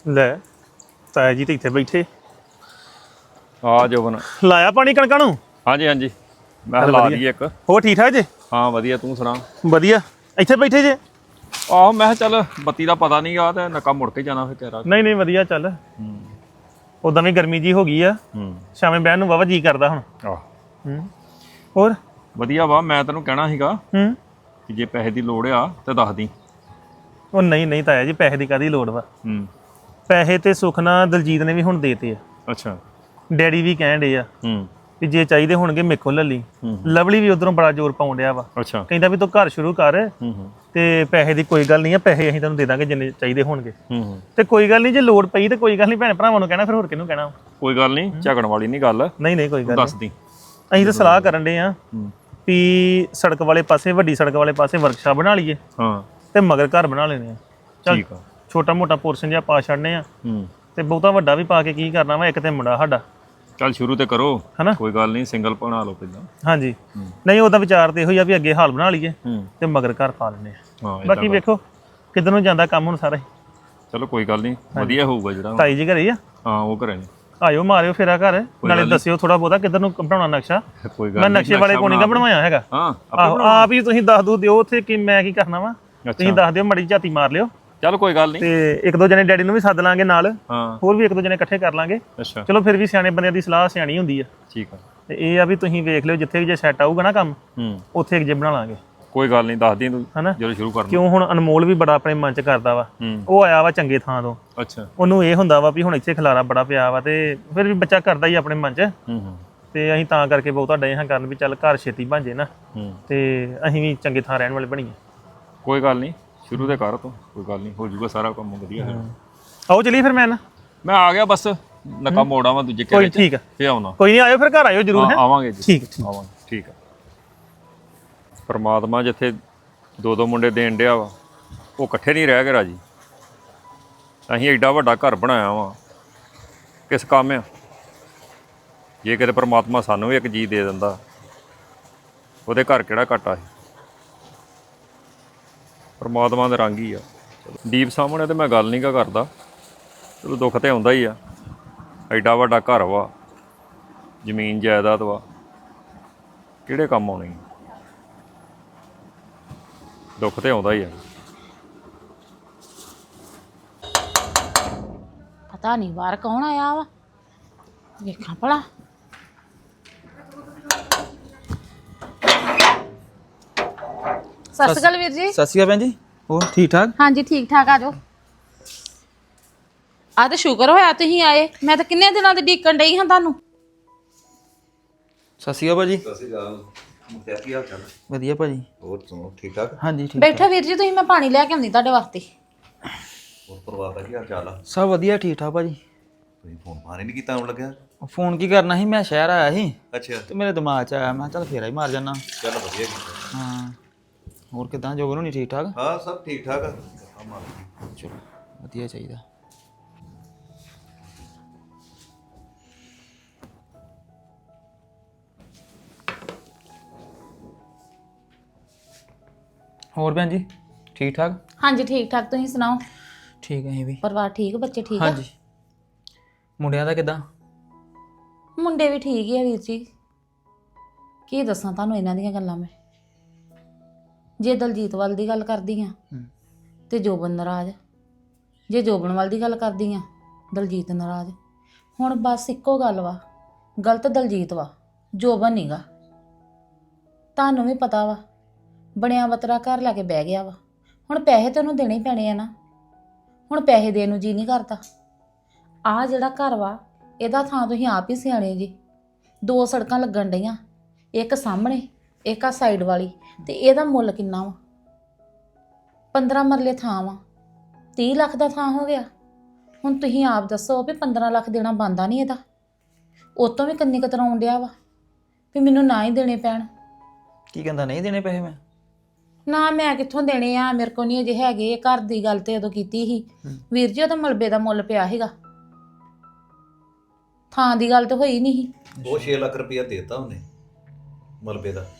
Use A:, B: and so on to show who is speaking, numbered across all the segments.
A: ਲੈ ਤਾਇਆ ਜੀ ਤੇ ਇੱਥੇ ਬੈਠੇ
B: ਆ ਜੋਬਨ
A: ਲਾਇਆ ਪਾਣੀ ਕਣਕਾਂ ਨੂੰ।
B: ਹਾਂਜੀ ਹਾਂਜੀ ਮੈਂ ਲਾ ਲਈ ਇੱਕ।
A: ਹੋਰ ਠੀਕ ਠਾਕ ਜੇ?
B: ਹਾਂ ਵਧੀਆ ਤੂੰ ਸੁਣਾ।
A: ਵਧੀਆ। ਇੱਥੇ ਬੈਠੇ ਜੇ?
B: ਆਹੋ ਮੈਂ ਕਿਹਾ ਚੱਲ ਬੱਤੀ ਦਾ ਪਤਾ ਨਹੀਂ ਆ ਤੇ ਨੱਕਾ ਮੁੜ ਕੇ ਜਾਣਾ ਫਿਰ ਤੇਰਾ।
A: ਨਹੀਂ ਨਹੀਂ ਵਧੀਆ ਚੱਲ। ਉਦਾਂ ਵੀ ਗਰਮੀ ਜੀ ਹੋ ਗਈ ਆ। ਸ਼ਾਮੇ ਬਹਿਣ ਨੂੰ ਵਾਵਾ ਜੀ ਕਰਦਾ ਹੁਣ।
B: ਆਹ
A: ਹੋਰ
B: ਵਧੀਆ ਵਾ। ਮੈਂ ਤੈਨੂੰ ਕਹਿਣਾ ਸੀਗਾ ਕਿ ਜੇ ਪੈਸੇ ਦੀ ਲੋੜ ਆ ਤੇ ਦੱਸ ਦੀ।
A: ਉਹ ਨਹੀਂ ਨਹੀਂ ਤਾਇਆ ਜੀ ਪੈਸੇ ਦੀ ਕਾਹਦੀ ਲੋੜ ਵਾ। ਪੈਸੇ ਤੇ ਸੁੱਖ ਨਾਲ ਦਲਜੀਤ ਨੇ ਵੀ ਹੁਣ ਦੇਤੇ ਆ।
B: ਅੱਛਾ।
A: ਡੈਡੀ ਵੀ ਕਹਿਣ ਡੇ ਆ ਵੀ ਜੇ ਚਾਹੀਦੇ ਹੋਣਗੇ ਮੇਰੇ ਕੋਲ ਲੈ ਲਈ। ਲਵਲੀ ਵੀ ਉਧਰੋਂ ਬੜਾ ਜ਼ੋਰ ਪਾਉਣ ਡਿਆ ਵਾ।
B: ਅੱਛਾ।
A: ਕਹਿੰਦਾ ਵੀ ਤੂੰ ਘਰ ਸ਼ੁਰੂ ਕਰ ਤੇ ਪੈਸੇ ਦੀ ਕੋਈ ਗੱਲ ਨਹੀਂ ਆ, ਪੈਸੇ ਅਸੀਂ ਤੈਨੂੰ ਦੇ ਦਾਂਗੇ ਜਿੰਨੇ ਚਾਹੀਦੇ ਹੋਣਗੇ। ਤੇ ਕੋਈ ਗੱਲ ਨਹੀਂ ਜੇ ਲੋੜ ਪਈ ਤੇ ਕੋਈ ਗੱਲ ਨਹੀਂ ਭੈਣ ਭਰਾਵਾਂ ਨੂੰ ਕਹਿਣਾ, ਫਿਰ ਹੋਰ ਕਿਹਨੂੰ ਕਹਿਣਾ।
B: ਕੋਈ ਗੱਲ ਨਹੀਂ ਝਗੜਨ ਵਾਲੀ ਨਹੀਂ ਗੱਲ।
A: ਨਹੀਂ ਨਹੀਂ ਕੋਈ ਗੱਲ
B: ਦੱਸ ਦੀ।
A: ਅਸੀਂ ਤਾਂ ਸਲਾਹ ਕਰਨ ਡੇ ਆ ਵੀ ਸੜਕ ਵਾਲੇ ਪਾਸੇ, ਵੱਡੀ ਸੜਕ ਵਾਲੇ ਪਾਸੇ ਵਰਕਸ਼ਾਪ ਬਣਾ ਲਈਏ ਤੇ ਮਗਰ ਘਰ ਬਣਾ ਲੈਣੇ ਆ। ਚੱਲ ਛੋਟਾ ਮੋਟਾ ਪੋਰਸ਼ਨ ਜਿਹਾ ਪਾ ਛੱਡਨੇ ਆ ਤੇ ਬਹੁਤਾ ਵੱਡਾ ਵੀ ਪਾ ਕੇ ਕੀ ਕਰਨਾ ਵਾ। ਇੱਕ ਤੇ ਮੁੰਡਾ ਸਾਡਾ।
B: ਚੱਲ ਸ਼ੁਰੂ ਤੇ ਕਰੋ
A: ਹਨਾ।
B: ਕੋਈ ਗੱਲ ਨਹੀਂ ਸਿੰਗਲ ਬਣਾ ਲਓ ਪਹਿਲਾਂ।
A: ਹਾਂਜੀ ਨਹੀਂ ਉਹਦਾ ਵਿਚਾਰ ਤੇ ਇਹੋ ਹੀ ਆ ਵੀ ਅੱਗੇ ਹਾਲ ਬਣਾ ਲਈਏ ਤੇ ਮਗਰ ਘਰ ਪਾ ਲੈਣੇ ਆ। ਬਾਕੀ ਵੇਖੋ ਕਿੱਧਰ ਨੂੰ ਜਾਂਦਾ ਕੰਮ ਹੁਣ ਸਾਰਾ ਹੀ।
B: ਚਲੋ ਕੋਈ ਗੱਲ ਨਹੀਂ ਵਧੀਆ ਹੋਊਗਾ ਜਿਹੜਾ।
A: ਤਾਈ ਜੀ ਘਰੇ ਆ?
B: ਹਾਂ ਉਹ ਘਰੇ ਨੇ।
A: ਆਇਓ ਮਾਰਿਓ ਫੇਰਾ ਘਰ, ਨਾਲੇ ਦੱਸਿਓ ਥੋੜਾ ਬਹੁਤਾ ਕਿੱਧਰ ਨੂੰ ਬਣਾਉਣਾ ਨਕਸ਼ਾ।
B: ਕੋਈ ਗੱਲ
A: ਮੈਂ ਨਕਸ਼ੇ ਵਾਲੇ ਕੋਲ ਨਹੀਂ ਬਣਵਾਇਆ ਹੈਗਾ।
B: ਹਾਂ
A: ਆਪ ਹੀ ਤੁਸੀਂ ਦੱਸ ਦਿਓ ਉੱਥੇ ਕਿ ਮੈਂ ਕੀ ਕਰਨਾ ਵਾ। ਤੁਸੀਂ ਦੱਸ ਦਿਓ, ਮੜੀ ਝਾਤੀ ਮਾਰ ਲਿਓ।
B: ਚਲ ਕੋਈ ਗੱਲ ਨਹੀਂ।
A: ਤੇ ਇੱਕ ਦੋ ਜਣੇ ਡੈਡੀ ਨੂੰ ਵੀ ਸੱਦ ਲਾਂਗੇ ਨਾਲ। ਹੋਰ ਵੀ ਇੱਕ ਦੋ ਜਣੇ ਇਕੱਠੇ ਕਰ ਲਾਂਗੇ।
B: ਅੱਛਾ
A: ਚਲੋ ਫਿਰ ਵੀ ਸਿਆਣੇ ਬੰਦਿਆਂ ਦੀ ਸਲਾਹ ਸਿਆਣੀ ਹੁੰਦੀ ਆ।
B: ਠੀਕ ਆ।
A: ਤੇ ਇਹ ਆ ਵੀ ਤੁਸੀਂ ਵੇਖ ਲਿਓ ਜਿੱਥੇ ਵੀ ਜੇ ਸੈੱਟ ਆਊਗਾ ਨਾ ਕੰਮ ਉੱਥੇ ਇੱਕ ਜੇ ਬਣਾ ਲਾਂਗੇ।
B: ਕੋਈ ਗੱਲ ਨਹੀਂ ਦੱਸ ਦੀ ਤੂੰ
A: ਹਨਾ
B: ਜਦੋਂ ਸ਼ੁਰੂ ਕਰਨਾ।
A: ਕਿਉਂ ਹੁਣ ਅਨਮੋਲ ਵੀ ਬੜਾ ਆਪਣੇ ਮਨ ਚ ਕਰਦਾ ਵਾ। ਉਹ ਆਇਆ ਵਾ ਚੰਗੇ ਥਾਂ ਤੋਂ।
B: ਅੱਛਾ।
A: ਉਹਨੂੰ ਇਹ ਹੁੰਦਾ ਵਾ ਵੀ ਹੁਣ ਇੱਥੇ ਖਲਾਰਾ ਬੜਾ ਪਿਆ ਵਾ ਤੇ ਫਿਰ ਵੀ ਬੱਚਾ ਕਰਦਾ ਹੀ ਆਪਣੇ ਮਨ ਚ। ਤੇ ਅਸੀਂ ਤਾਂ ਕਰਕੇ ਬਹੁਤਾ ਡੇ ਹਾਂ ਕਰਨ ਵੀ ਚੱਲ ਘਰ ਛੇਤੀ ਬਣ ਜੇ ਨਾ ਤੇ ਅਸੀਂ ਵੀ ਚੰਗੇ ਥਾਂ ਰਹਿਣ ਵਾਲੇ ਬਣੀਏ।
B: ਕੋਈ ਗੱਲ ਨਹੀਂ ਸ਼ੁਰੂ ਤੇ ਕਰ ਤੂੰ। ਕੋਈ ਗੱਲ ਨਹੀਂ ਹੋ ਜਾਊਗਾ ਸਾਰਾ ਕੰਮ ਵਧੀਆ।
A: ਆਓ ਚਲੀਏ ਫਿਰ। ਮੈਂ
B: ਆ ਗਿਆ ਬਸ ਨੱਕਾ ਮੋੜ ਆਵਾਂ ਦੂਜੇ ਘਰੇ।
A: ਠੀਕ ਆ
B: ਫੇਰ ਆਉਣਾ।
A: ਕੋਈ ਨਹੀਂ ਆਇਓ ਫਿਰ ਘਰ ਆਇਓ ਜ਼ਰੂਰ।
B: ਆਵਾਂਗੇ ਜੀ।
A: ਠੀਕ
B: ਆਵਾਂਗੇ। ਠੀਕ ਆ। ਪਰਮਾਤਮਾ ਜਿੱਥੇ ਦੋ ਦੋ ਮੁੰਡੇ ਦੇਣ ਡਿਆ ਵਾ ਉਹ ਇਕੱਠੇ ਨਹੀਂ ਰਹਿ ਗਏ ਰਾਜੀ। ਅਸੀਂ ਐਡਾ ਵੱਡਾ ਘਰ ਬਣਾਇਆ ਵਾ ਕਿਸ ਕੰਮ ਆ। ਜੇ ਕਿਤੇ ਪਰਮਾਤਮਾ ਸਾਨੂੰ ਵੀ ਇੱਕ ਜੀ ਦੇ ਦਿੰਦਾ ਉਹਦੇ ਘਰ ਕਿਹੜਾ ਘਾਟਾ ਸੀ। ਪਰਮਾਤਮਾ ਦਾ ਰੰਗ ਹੀ ਆ। ਦੀਪ ਸਾਹਮਣੇ ਤੇ ਮੈਂ ਗੱਲ ਨਹੀਂ ਕਰਦਾ। ਚਲੋ ਦੁੱਖ ਤੇ ਆਉਂਦਾ ਹੀ ਆ। ਐਡਾ ਵੱਡਾ ਘਰ ਵਾ, ਜ਼ਮੀਨ ਜਾਇਦਾਦ ਵਾ, ਕਿਹੜੇ ਕੰਮ ਆਉਣੀ। ਦੁੱਖ ਤੇ ਆਉਂਦਾ ਹੀ ਆ।
C: ਪਤਾ ਨਹੀਂ ਬਾਹਰ ਕੌਣ ਆਇਆ ਵਾ, ਵੇਖਾਂ ਭਲਾ। ਸਤਿ ਸ਼੍ਰੀ ਅਕਾਲ ਵੀਰ ਜੀ।
D: ਸਤਿ ਸ਼੍ਰੀ ਅਕਾਲ ਭੈਣ ਜੀ। ਹੋਰ ਠੀਕ ਠਾਕ?
C: ਹਾਂਜੀ ਠੀਕ ਠਾਕ। ਆ ਜਾਓ। ਆ ਤਾਂ ਸ਼ੁਕਰ ਹੋਇਆ ਤੁਸੀਂ ਆਏ। ਮੈਂ ਤਾਂ ਕਿੰਨੇ ਦਿਨਾਂ ਦੀ ਡੀਕਣ ਡਈ ਹਾਂ ਤੁਹਾਨੂੰ।
D: ਸਤਿ ਸ਼੍ਰੀ ਅਕਾਲ ਭਾਜੀ।
E: ਸਤਿ ਸ਼੍ਰੀ ਅਕਾਲ। ਮੁਖਤਿਆਰ ਕੀ ਹਾਲ ਚਾਲ?
D: ਵਧੀਆ ਭਾਜੀ।
E: ਹੋਰ ਸੁਣੋ ਠੀਕ ਠਾਕ?
D: ਹਾਂਜੀ ਠੀਕ।
C: ਬੈਠੋ ਵੀਰ ਜੀ ਤੁਸੀਂ, ਮੈਂ ਪਾਣੀ ਲੈ ਕੇ ਆਉਂਦੀ ਤੁਹਾਡੇ ਵਾਸਤੇ।
E: ਹੋਰ ਪਰਿਵਾਰ ਦਾ ਕੀ ਹਾਲ ਚਾਲ ਆ?
D: ਸਭ ਵਧੀਆ ਠੀਕ ਠਾਕ ਭਾਜੀ।
E: ਤੁਸੀਂ ਫੋਨ ਮਾਰੇ ਨਹੀਂ ਕੀਤਾ ਹੁਣ ਲੱਗਿਆ?
D: ਫੋਨ ਕੀ ਕਰਨਾ ਸੀ, ਮੈਂ ਸ਼ਹਿਰ ਆਇਆ ਸੀ
E: ਅੱਛਾ।
D: ਤੇ ਮੇਰੇ ਦਿਮਾਗ 'ਚ ਆਇਆ, ਮੈਂ ਕਿਹਾ ਚੱਲ ਫੇਰਾ ਹੀ ਮਾਰ ਜਾਣਾ।
E: ਚੱਲ ਵਧੀਆ ਕੀਤਾ।
D: ਹਾਂ ਹੋਰ ਕਿੱਦਾਂ ਜੋਬਨ ਹੋਣੀ ਠੀਕ ਠਾਕ?
E: ਹਾਂ ਸਭ ਠੀਕ ਠਾਕ ਆ।
D: ਚਲੋ ਵਧੀਆ ਚਾਹੀਦਾ। ਹੋਰ ਭੈਣ ਜੀ ਠੀਕ ਠਾਕ?
C: ਹਾਂਜੀ ਠੀਕ ਠਾਕ। ਤੁਸੀਂ ਸੁਣਾਓ?
D: ਠੀਕ ਹੈ ਵੀ।
C: ਪਰਿਵਾਰ ਠੀਕ, ਬੱਚੇ ਠੀਕ ਆ?
D: ਹਾਂਜੀ। ਮੁੰਡਿਆਂ ਦਾ ਕਿੱਦਾਂ?
C: ਮੁੰਡੇ ਵੀ ਠੀਕ ਹੀ ਆ ਵੀਰ ਜੀ। ਕੀ ਦੱਸਾਂ ਤੁਹਾਨੂੰ ਇਹਨਾਂ ਦੀਆਂ ਗੱਲਾਂ ਮੈਂ। ਜੇ ਦਲਜੀਤ ਵੱਲ ਦੀ ਗੱਲ ਕਰਦੀ ਆ ਤੇ ਜੋਬਨ ਨਾਰਾਜ਼, ਜੇ ਜੋਬਨ ਵੱਲ ਦੀ ਗੱਲ ਕਰਦੀ ਆ ਦਲਜੀਤ ਨਾਰਾਜ਼। ਹੁਣ ਬਸ ਇੱਕੋ ਗੱਲ ਵਾ, ਗਲਤ ਦਲਜੀਤ ਵਾ, ਜੋਬਨ ਨੀਗਾ। ਤੁਹਾਨੂੰ ਵੀ ਪਤਾ ਵਾ ਬਣਿਆ ਬਤਰਾ ਘਰ ਲੈ ਕੇ ਬਹਿ ਗਿਆ ਵਾ। ਹੁਣ ਪੈਸੇ ਤੇ ਉਹਨੂੰ ਦੇਣੇ ਹੀ ਪੈਣੇ ਆ ਨਾ। ਹੁਣ ਪੈਸੇ ਦੇਣ ਨੂੰ ਜੀ ਨਹੀਂ ਕਰਦਾ। ਆਹ ਜਿਹੜਾ ਘਰ ਵਾ ਇਹਦਾ ਥਾਂ ਤੁਸੀਂ ਆਪ ਹੀ ਸਿਆਣੇ ਜੀ। 2 ਸੜਕਾਂ ਲੱਗਣ ਡਈਆਂ, ਇੱਕ ਸਾਹਮਣੇ ਇੱਕ ਆ ਸਾਈਡ ਵਾਲੀ, ਤੇ ਇਹਦਾ ਮੁੱਲ ਕਿੰਨਾ ਵਾ? 15 ਮਰਲੇ ਥਾਂ ਵਾ, 30 ਲੱਖ ਦਾ ਥਾਂ ਹੋ ਗਿਆ। ਹੁਣ ਤੁਸੀਂ ਆਪ ਦੱਸੋ ਵੀ 15 ਲੱਖ ਦੇਣਾ ਬਣਦਾ ਨਹੀਂ ਇਹਦਾ। ਉਹ ਤੋਂ ਵੀ ਕੰਨੀ ਕਤਰਾਉਣ ਡਿਆ ਵਾ ਵੀ ਮੈਨੂੰ ਨਾ ਹੀ ਦੇਣੇ ਪੈਣ।
D: ਕੀ ਕਹਿੰਦਾ ਨਹੀਂ ਦੇਣੇ ਪੈਸੇ? ਮੈਂ
C: ਨਾ ਮੈਂ ਕਿੱਥੋਂ ਦੇਣੇ ਆ, ਮੇਰੇ ਕੋਲ ਨਹੀਂ ਅਜੇ ਹੈਗੇ। ਘਰ ਦੀ ਗੱਲ ਤੇ ਉਦੋਂ ਕੀਤੀ ਸੀ ਵੀਰ ਜੀ, ਉਹਦਾ ਮਲਬੇ ਦਾ ਮੁੱਲ ਪਿਆ ਸੀਗਾ। ਥਾਂ ਦੀ ਗੱਲ ਤਾਂ ਹੋਈ ਨਹੀਂ ਸੀ।
E: ਉਹ 6 ਲੱਖ ਰੁਪਇਆ ਦੇਤਾ ਉਹਨੇ ਮਲਬੇ ਦਾ,